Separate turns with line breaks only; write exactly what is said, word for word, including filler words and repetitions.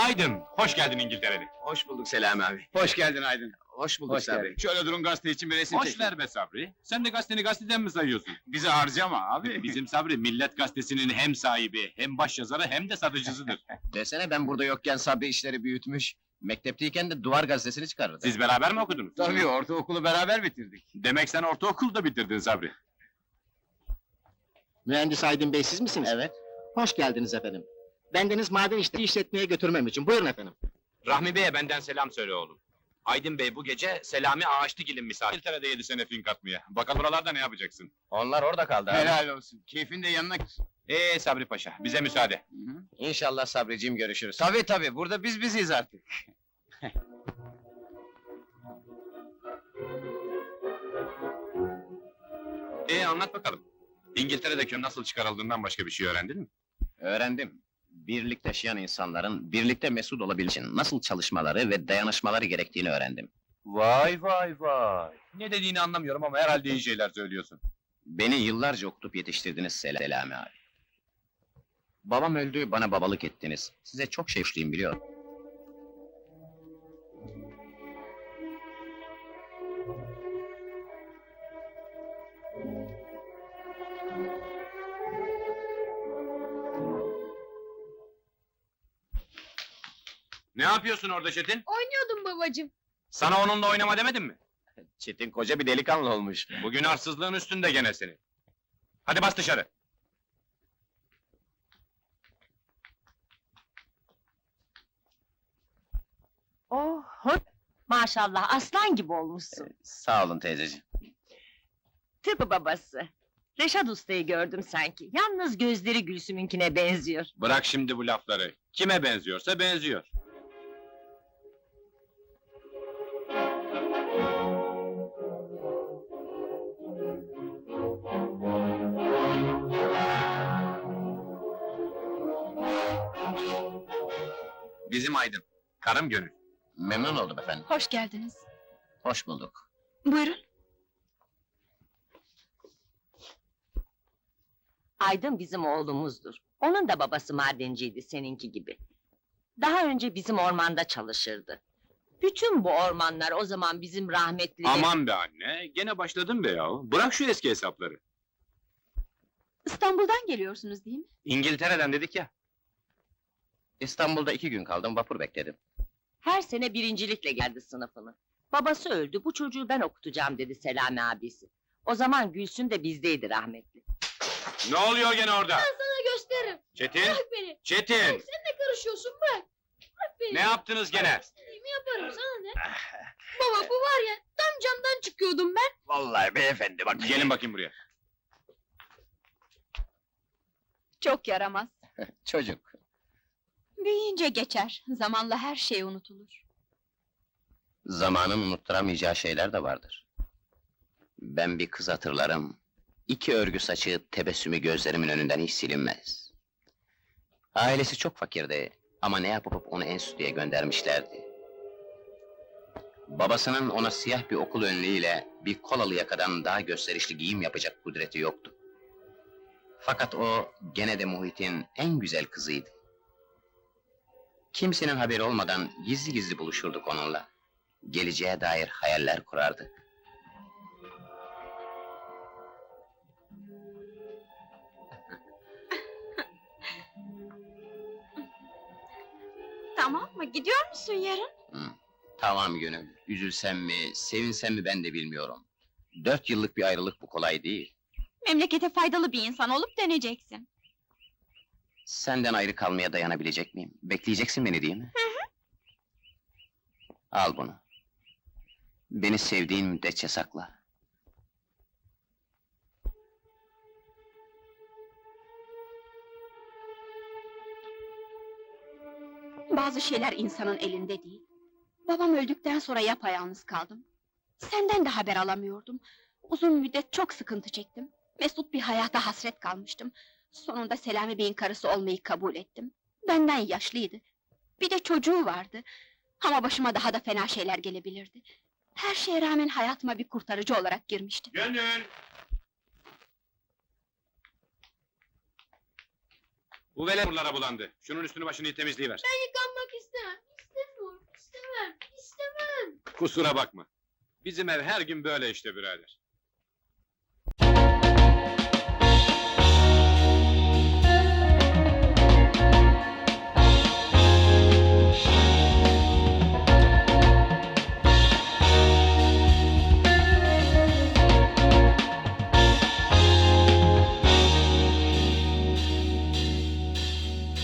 Aydın, hoş geldin İngiltere'de.
Hoş bulduk Selami abi.
Hoş geldin Aydın.
Hoş bulduk
Hoş
Sabri.
geldin. Şöyle durun, gazete için bir resim
Hoş
çekin.
ver be Sabri. Sen de gazeteni gazeteden mi sayıyorsun?
Bizi harcama abi.
Bizim Sabri, Millet Gazetesi'nin hem sahibi, hem başyazarı, hem de satıcısıdır.
Desene ben burada yokken Sabri işleri büyütmüş. Mektepteyken de Duvar gazetesini çıkarırdı.
Siz beraber mi okudunuz?
Tabii, ortaokulu beraber bitirdik.
Demek sen ortaokulda bitirdin Sabri.
Mühendis Aydın Bey siz misiniz?
Evet.
Hoş geldiniz efendim. Bendeniz maden işleri işletmeye götürmem için. Buyurun efendim.
Rahmi Bey'e benden selam söyle oğlum. Aydın Bey bu gece Selami Ağaçlıgil'in misafiri. İngiltere'de yedi sene fink atmaya. Bakalım buralarda ne yapacaksın?
Onlar orada kaldı abi.
Helal olsun. Keyfin de yanına...
Ee Sabri Paşa, bize müsaade.
Hı hı.
İnşallah Sabriciğim görüşürüz.
Tabii tabii, burada biz biziz artık.
Ee anlat bakalım. İngiltere'de köyün nasıl çıkarıldığından başka bir şey öğrendin mi?
Öğrendim. Birlikte yaşayan insanların birlikte mesut olabilmek için nasıl çalışmaları ve dayanışmaları gerektiğini öğrendim.
Vay vay vay. Ne dediğini anlamıyorum ama herhalde iyi şeyler söylüyorsun.
Beni yıllarca okutup yetiştirdiniz Selami abi. Babam öldü, bana babalık ettiniz. Size çok şey borçluyum biliyorum.
Ne yapıyorsun orada Çetin?
Oynuyordum babacığım.
Sana onunla oynama demedim mi?
Çetin koca bir delikanlı olmuş.
Bugün arsızlığın üstünde gene seni. Hadi bas dışarı.
Oh, maşallah aslan gibi olmuşsun.
Sağ olun teyzeciğim.
Tıpkı babası. Reşat Usta'yı gördüm sanki. Yalnız gözleri Gülsüm'ünkine benziyor.
Bırak şimdi bu lafları. Kime benziyorsa benziyor. Bizim Aydın. Karım Gönül.
Memnun oldum efendim.
Hoş geldiniz.
Hoş bulduk.
Buyurun.
Aydın bizim oğlumuzdur. Onun da babası madenciydi seninki gibi. Daha önce bizim ormanda çalışırdı. Bütün bu ormanlar o zaman bizim rahmetli...
Aman be anne, gene başladın be yahu. Bırak şu eski hesapları.
İstanbul'dan geliyorsunuz değil mi?
İngiltere'den dedik ya.
İstanbul'da iki gün kaldım, vapur bekledim.
Her sene birincilikle geldi sınıfını. Babası öldü, bu çocuğu ben okutacağım dedi Selami abisi. O zaman Gülsüm de bizdeydi rahmetli.
Ne oluyor gene orada?
Sana gösteririm.
Çetin,
Bırak beni.
Çetin!
Sen ne karışıyorsun bırak. Bırak beni.
Ne yaptınız gene?
İstediğimi yaparım sana ne? Baba bu var ya tam camdan çıkıyordum ben.
Vallahi beyefendi bak.
Gelin bakayım buraya.
Çok yaramaz.
Çocuk.
Büyüyünce geçer. Zamanla her şey unutulur.
Zamanın unutturamayacağı şeyler de vardır. Ben bir kız hatırlarım. İki örgü saçı, tebessümü gözlerimin önünden hiç silinmez. Ailesi çok fakirdi ama ne yapıp onu enstitüye göndermişlerdi. Babasının ona siyah bir okul önlüğüyle bir kolalı yakadan daha gösterişli giyim yapacak kudreti yoktu. Fakat o gene de muhitin en güzel kızıydı. Kimsenin haberi olmadan gizli gizli buluşurduk onunla. Geleceğe dair hayaller kurardık.
Tamam mı? Gidiyor musun yarın?
Hı, tamam Gönül, üzülsem mi, sevinsem mi ben de bilmiyorum. Dört yıllık bir ayrılık bu kolay değil.
Memlekete faydalı bir insan olup döneceksin.
Senden ayrı kalmaya dayanabilecek miyim? Bekleyeceksin beni değil mi?
Hı hı.
Al bunu. Beni sevdiğin müddetçe sakla.
Bazı şeyler insanın elinde değil. Babam öldükten sonra yapayalnız kaldım. Senden de haber alamıyordum. Uzun müddet çok sıkıntı çektim. Mesut bir hayata hasret kalmıştım. Sonunda Selami Bey'in karısı olmayı kabul ettim. Benden yaşlıydı. Bir de çocuğu vardı. Ama başıma daha da fena şeyler gelebilirdi. Her şeye rağmen hayatıma bir kurtarıcı olarak girmişti.
Gönül! Bu velet buralara bulandı. Şunun üstünü başını temizleyiver.
Yıkanmak istemem.
Kusura bakma. Bizim ev her gün böyle işte birader.